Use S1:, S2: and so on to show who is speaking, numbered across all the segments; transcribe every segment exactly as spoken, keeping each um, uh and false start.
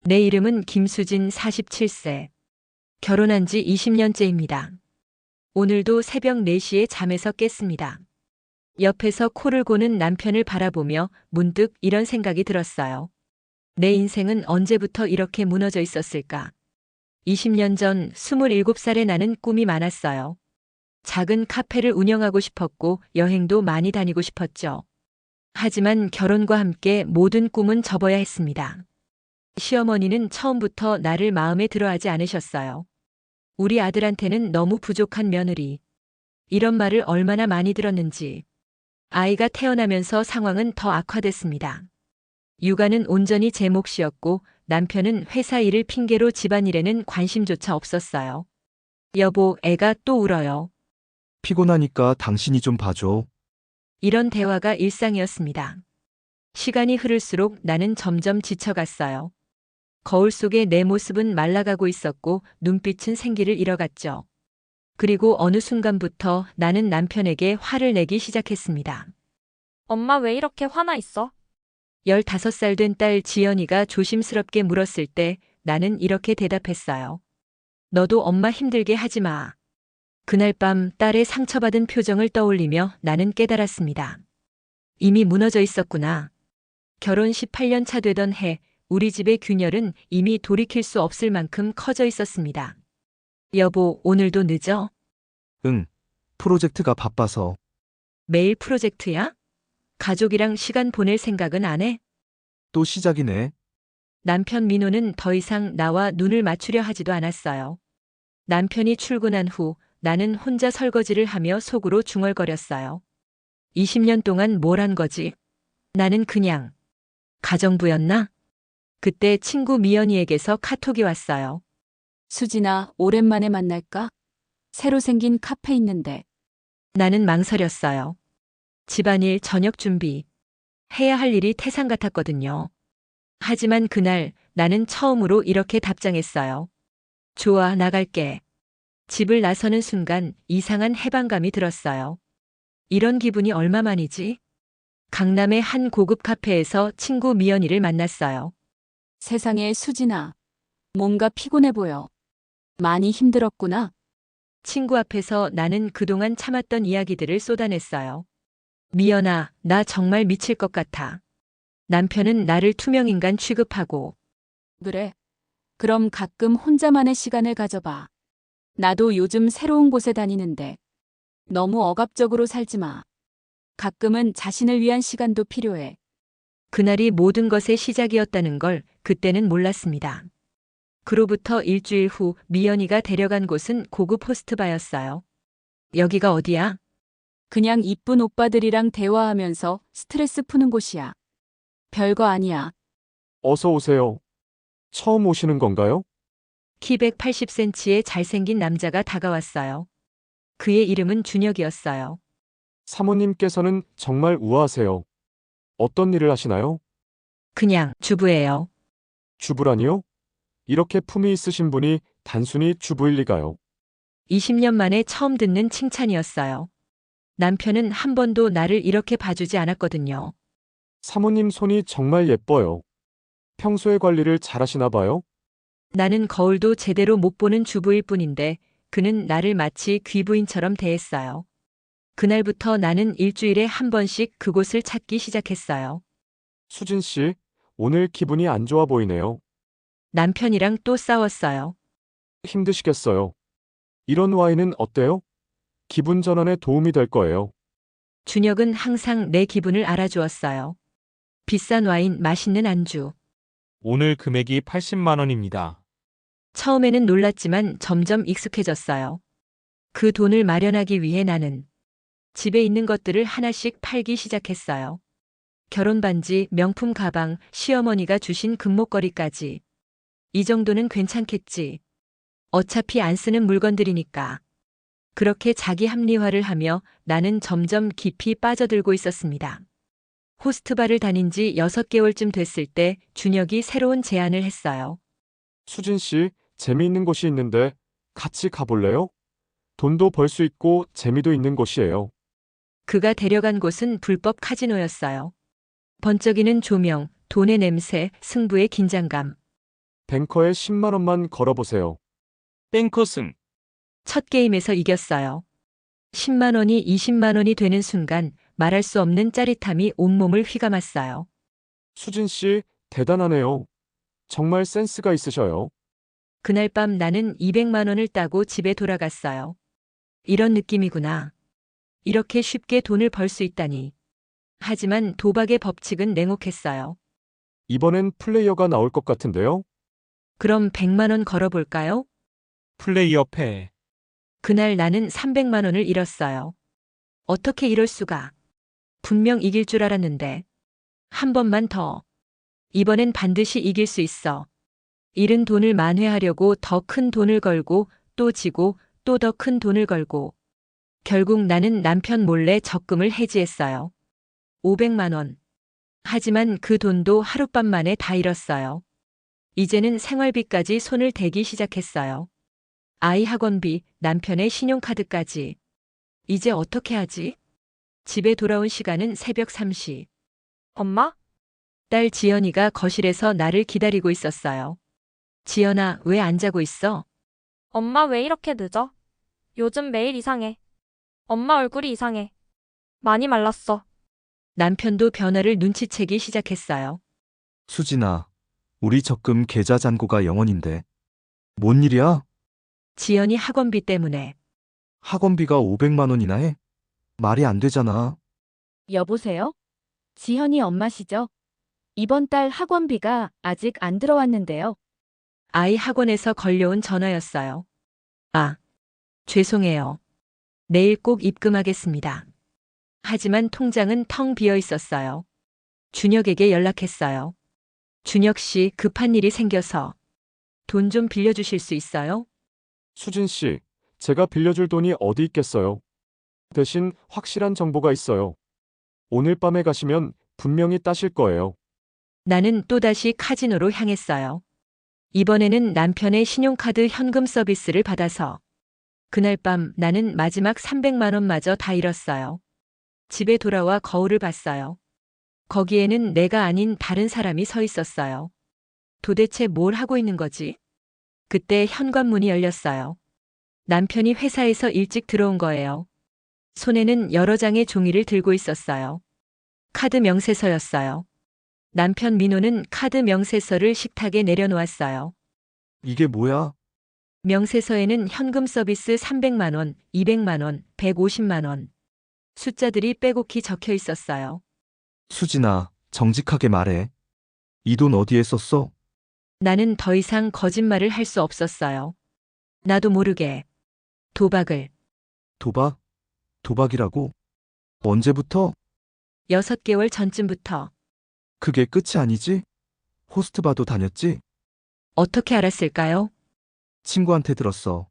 S1: 내 이름은 김수진 사십칠 세. 결혼한 지 이십 년째입니다. 오늘도 새벽 네 시에 잠에서 깼습니다. 옆에서 코를 고는 남편을 바라보며 문득 이런 생각이 들었어요. 내 인생은 언제부터 이렇게 무너져 있었을까? 이십 년 전 스물일곱 살에 나는 꿈이 많았어요. 작은 카페를 운영하고 싶었고 여행도 많이 다니고 싶었죠. 하지만 결혼과 함께 모든 꿈은 접어야 했습니다. 시어머니는 처음부터 나를 마음에 들어하지 않으셨어요. 우리 아들한테는 너무 부족한 며느리. 이런 말을 얼마나 많이 들었는지. 아이가 태어나면서 상황은 더 악화됐습니다. 육아는 온전히 제 몫이었고 남편은 회사 일을 핑계로 집안일에는 관심조차 없었어요. 여보, 애가 또 울어요.
S2: 피곤하니까 당신이 좀 봐줘.
S1: 이런 대화가 일상이었습니다. 시간이 흐를수록 나는 점점 지쳐갔어요. 거울 속에 내 모습은 말라가고 있었고 눈빛은 생기를 잃어갔죠. 그리고 어느 순간부터 나는 남편에게 화를 내기 시작했습니다.
S3: 엄마 왜 이렇게 화나 있어?
S1: 열다섯 살 된 딸 지연이가 조심스럽게 물었을 때 나는 이렇게 대답했어요. 너도 엄마 힘들게 하지 마. 그날 밤 딸의 상처받은 표정을 떠올리며 나는 깨달았습니다. 이미 무너져 있었구나. 결혼 십팔 년 차 되던 해 우리 집의 균열은 이미 돌이킬 수 없을 만큼 커져 있었습니다. 여보, 오늘도 늦어?
S2: 응. 프로젝트가 바빠서.
S1: 매일 프로젝트야? 가족이랑 시간 보낼 생각은 안 해?
S2: 또 시작이네.
S1: 남편 민호는 더 이상 나와 눈을 맞추려 하지도 않았어요. 남편이 출근한 후 나는 혼자 설거지를 하며 속으로 중얼거렸어요. 이십 년 동안 뭘 한 거지? 나는 그냥 가정부였나? 그때 친구 미연이에게서 카톡이 왔어요.
S4: 수진아, 오랜만에 만날까? 새로 생긴 카페 있는데.
S1: 나는 망설였어요. 집안일, 저녁 준비. 해야 할 일이 태산 같았거든요. 하지만 그날 나는 처음으로 이렇게 답장했어요. 좋아, 나갈게. 집을 나서는 순간 이상한 해방감이 들었어요. 이런 기분이 얼마만이지? 강남의 한 고급 카페에서 친구 미연이를 만났어요.
S4: 세상에 수진아. 뭔가 피곤해 보여. 많이 힘들었구나.
S1: 친구 앞에서 나는 그동안 참았던 이야기들을 쏟아냈어요. 미연아, 나 정말 미칠 것 같아. 남편은 나를 투명인간 취급하고.
S4: 그래. 그럼 가끔 혼자만의 시간을 가져봐. 나도 요즘 새로운 곳에 다니는데. 너무 억압적으로 살지 마. 가끔은 자신을 위한 시간도 필요해.
S1: 그날이 모든 것의 시작이었다는 걸 그때는 몰랐습니다. 그로부터 일주일 후 미연이가 데려간 곳은 고급 호스트바였어요. 여기가 어디야?
S4: 그냥 이쁜 오빠들이랑 대화하면서 스트레스 푸는 곳이야. 별거 아니야.
S5: 어서 오세요. 처음 오시는 건가요?
S1: 키 백팔십 센티미터의 잘생긴 남자가 다가왔어요. 그의 이름은 준혁이었어요.
S5: 사모님께서는 정말 우아하세요. 어떤 일을 하시나요?
S1: 그냥 주부예요.
S5: 주부라니요? 이렇게 품이 있으신 분이 단순히 주부일 리가요.
S1: 이십 년 만에 처음 듣는 칭찬이었어요. 남편은 한 번도 나를 이렇게 봐주지 않았거든요.
S5: 사모님 손이 정말 예뻐요. 평소에 관리를 잘하시나 봐요?
S1: 나는 거울도 제대로 못 보는 주부일 뿐인데 그는 나를 마치 귀부인처럼 대했어요. 그날부터 나는 일주일에 한 번씩 그곳을 찾기 시작했어요.
S5: 수진 씨, 오늘 기분이 안 좋아 보이네요.
S1: 남편이랑 또 싸웠어요.
S5: 힘드시겠어요. 이런 와인은 어때요? 기분 전환에 도움이 될 거예요.
S1: 준혁은 항상 내 기분을 알아주었어요. 비싼 와인, 맛있는 안주.
S6: 오늘 금액이 팔십만 원입니다.
S1: 처음에는 놀랐지만 점점 익숙해졌어요. 그 돈을 마련하기 위해 나는 집에 있는 것들을 하나씩 팔기 시작했어요. 결혼 반지, 명품 가방, 시어머니가 주신 금목걸이까지. 이 정도는 괜찮겠지. 어차피 안 쓰는 물건들이니까. 그렇게 자기 합리화를 하며 나는 점점 깊이 빠져들고 있었습니다. 호스트바를 다닌 지 여섯 개월쯤 됐을 때 준혁이 새로운 제안을 했어요.
S5: 수진 씨, 재미있는 곳이 있는데 같이 가볼래요? 돈도 벌 수 있고 재미도 있는 곳이에요.
S1: 그가 데려간 곳은 불법 카지노였어요. 번쩍이는 조명, 돈의 냄새, 승부의 긴장감.
S5: 뱅커에 십만 원만 걸어보세요.
S6: 뱅커 승.
S1: 첫 게임에서 이겼어요. 십만 원이 이십만 원이 되는 순간 말할 수 없는 짜릿함이 온몸을 휘감았어요.
S5: 수진 씨, 대단하네요. 정말 센스가 있으셔요.
S1: 그날 밤 나는 이백만 원을 따고 집에 돌아갔어요. 이런 느낌이구나. 이렇게 쉽게 돈을 벌 수 있다니. 하지만 도박의 법칙은 냉혹했어요.
S5: 이번엔 플레이어가 나올 것 같은데요?
S1: 그럼 백만 원 걸어볼까요?
S6: 플레이어 패.
S1: 그날 나는 삼백만 원을 잃었어요. 어떻게 이럴 수가. 분명 이길 줄 알았는데. 한 번만 더. 이번엔 반드시 이길 수 있어. 잃은 돈을 만회하려고 더 큰 돈을 걸고 또 지고 또 더 큰 돈을 걸고. 결국 나는 남편 몰래 적금을 해지했어요. 오백만 원. 하지만 그 돈도 하룻밤 만에 다 잃었어요. 이제는 생활비까지 손을 대기 시작했어요. 아이 학원비, 남편의 신용카드까지. 이제 어떻게 하지? 집에 돌아온 시간은 새벽 세 시.
S3: 엄마?
S1: 딸 지연이가 거실에서 나를 기다리고 있었어요. 지연아, 왜 안 자고 있어?
S3: 엄마 왜 이렇게 늦어? 요즘 매일 이상해. 엄마 얼굴이 이상해. 많이 말랐어.
S1: 남편도 변화를 눈치채기 시작했어요.
S2: 수진아, 우리 적금 계좌 잔고가 영 원인데. 뭔 일이야?
S1: 지연이 학원비 때문에.
S2: 학원비가 오백만 원이나 해? 말이 안 되잖아.
S4: 여보세요? 지현이 엄마시죠? 이번 달 학원비가 아직 안 들어왔는데요.
S1: 아이 학원에서 걸려온 전화였어요. 아, 죄송해요. 내일 꼭 입금하겠습니다. 하지만 통장은 텅 비어 있었어요. 준혁에게 연락했어요. 준혁 씨, 급한 일이 생겨서 돈 좀 빌려주실 수 있어요?
S5: 수진 씨, 제가 빌려줄 돈이 어디 있겠어요. 대신 확실한 정보가 있어요. 오늘 밤에 가시면 분명히 따실 거예요.
S1: 나는 또다시 카지노로 향했어요. 이번에는 남편의 신용카드 현금 서비스를 받아서. 그날 밤 나는 마지막 삼백만 원마저 다 잃었어요. 집에 돌아와 거울을 봤어요. 거기에는 내가 아닌 다른 사람이 서 있었어요. 도대체 뭘 하고 있는 거지? 그때 현관문이 열렸어요. 남편이 회사에서 일찍 들어온 거예요. 손에는 여러 장의 종이를 들고 있었어요. 카드 명세서였어요. 남편 민호는 카드 명세서를 식탁에 내려놓았어요.
S2: 이게 뭐야?
S1: 명세서에는 현금 서비스 삼백만 원, 이백만 원, 백오십만 원. 숫자들이 빼곡히 적혀 있었어요.
S2: 수진아, 정직하게 말해. 이 돈 어디에 썼어?
S1: 나는 더 이상 거짓말을 할 수 없었어요. 나도 모르게 도박을
S2: 도박? 도박이라고? 언제부터?
S1: 여섯 개월 전쯤부터.
S2: 그게 끝이 아니지? 호스트바도 다녔지?
S1: 어떻게 알았을까요?
S2: 친구한테 들었어.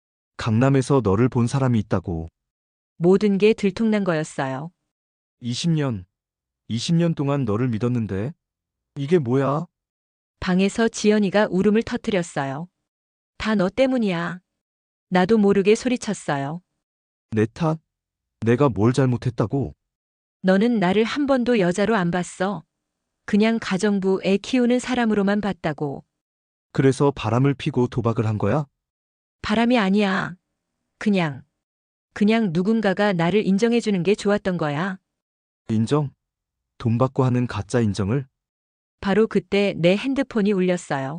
S2: 강남에서 너를 본 사람이 있다고.
S1: 모든 게 들통난 거였어요.
S2: 이십 년, 이십 년 동안 너를 믿었는데. 이게 뭐야?
S1: 방에서 지연이가 울음을 터뜨렸어요. 다 너 때문이야. 나도 모르게 소리쳤어요.
S2: 내 탓? 내가 뭘 잘못했다고?
S1: 너는 나를 한 번도 여자로 안 봤어. 그냥 가정부 애 키우는 사람으로만 봤다고.
S2: 그래서 바람을 피고 도박을 한 거야?
S1: 바람이 아니야. 그냥, 그냥 누군가가 나를 인정해주는 게 좋았던 거야.
S2: 인정? 돈 받고 하는 가짜 인정을?
S1: 바로 그때 내 핸드폰이 울렸어요.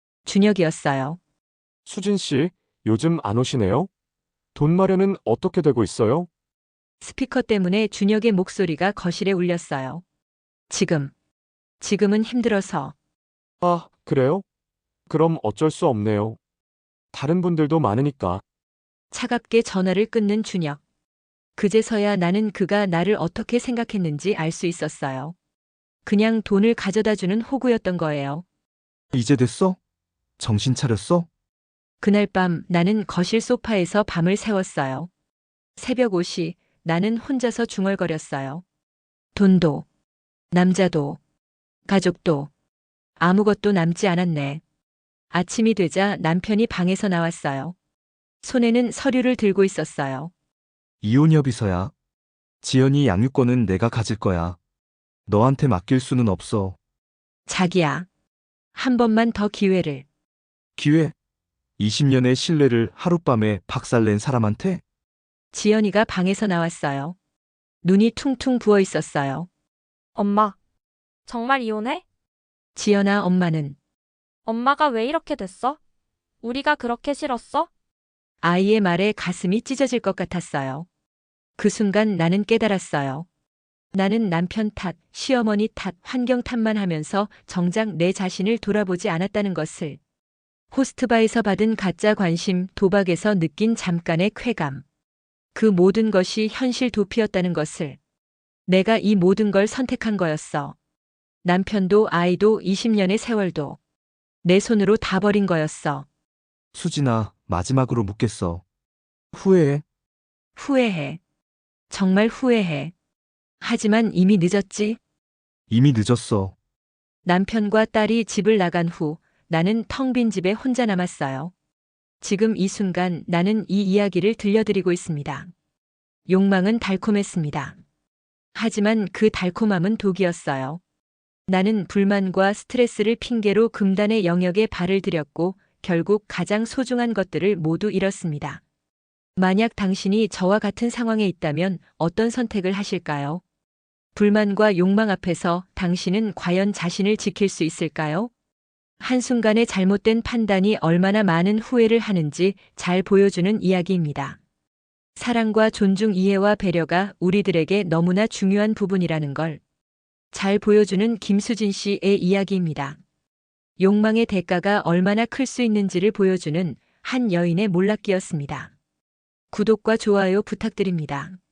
S1: 준혁이었어요.
S5: 수진 씨, 요즘 안 오시네요? 돈 마련은 어떻게 되고 있어요?
S1: 스피커 때문에 준혁의 목소리가 거실에 울렸어요. 지금, 지금은 힘들어서.
S5: 아, 그래요? 그럼 어쩔 수 없네요. 다른 분들도 많으니까.
S1: 차갑게 전화를 끊는 준혁. 그제서야 나는 그가 나를 어떻게 생각했는지 알 수 있었어요. 그냥 돈을 가져다 주는 호구였던 거예요.
S2: 이제 됐어? 정신 차렸어?
S1: 그날 밤 나는 거실 소파에서 밤을 새웠어요. 새벽 오 시 나는 혼자서 중얼거렸어요. 돈도, 남자도, 가족도, 아무것도 남지 않았네. 아침이 되자 남편이 방에서 나왔어요. 손에는 서류를 들고 있었어요.
S2: 이혼 협의서야. 지연이 양육권은 내가 가질 거야. 너한테 맡길 수는 없어.
S1: 자기야, 한 번만 더 기회를.
S2: 기회? 이십 년의 신뢰를 하룻밤에 박살낸 사람한테?
S1: 지연이가 방에서 나왔어요. 눈이 퉁퉁 부어 있었어요.
S3: 엄마, 정말 이혼해?
S1: 지연아 엄마는
S3: 엄마가 왜 이렇게 됐어? 우리가 그렇게 싫었어?
S1: 아이의 말에 가슴이 찢어질 것 같았어요. 그 순간 나는 깨달았어요. 나는 남편 탓, 시어머니 탓, 환경 탓만 하면서 정작 내 자신을 돌아보지 않았다는 것을. 호스트바에서 받은 가짜 관심, 도박에서 느낀 잠깐의 쾌감. 그 모든 것이 현실 도피였다는 것을. 내가 이 모든 걸 선택한 거였어. 남편도 아이도 이십 년의 세월도 내 손으로 다 버린 거였어.
S2: 수진아, 마지막으로 묻겠어. 후회해?
S1: 후회해. 정말 후회해. 하지만 이미 늦었지.
S2: 이미 늦었어.
S1: 남편과 딸이 집을 나간 후 나는 텅 빈 집에 혼자 남았어요. 지금 이 순간 나는 이 이야기를 들려드리고 있습니다. 욕망은 달콤했습니다. 하지만 그 달콤함은 독이었어요. 나는 불만과 스트레스를 핑계로 금단의 영역에 발을 들였고 결국 가장 소중한 것들을 모두 잃었습니다. 만약 당신이 저와 같은 상황에 있다면 어떤 선택을 하실까요? 불만과 욕망 앞에서 당신은 과연 자신을 지킬 수 있을까요? 한순간의 잘못된 판단이 얼마나 많은 후회를 하는지 잘 보여주는 이야기입니다. 사랑과 존중, 이해와 배려가 우리들에게 너무나 중요한 부분이라는 걸 잘 보여주는 김수진 씨의 이야기입니다. 욕망의 대가가 얼마나 클 수 있는지를 보여주는 한 여인의 몰락기였습니다. 구독과 좋아요 부탁드립니다.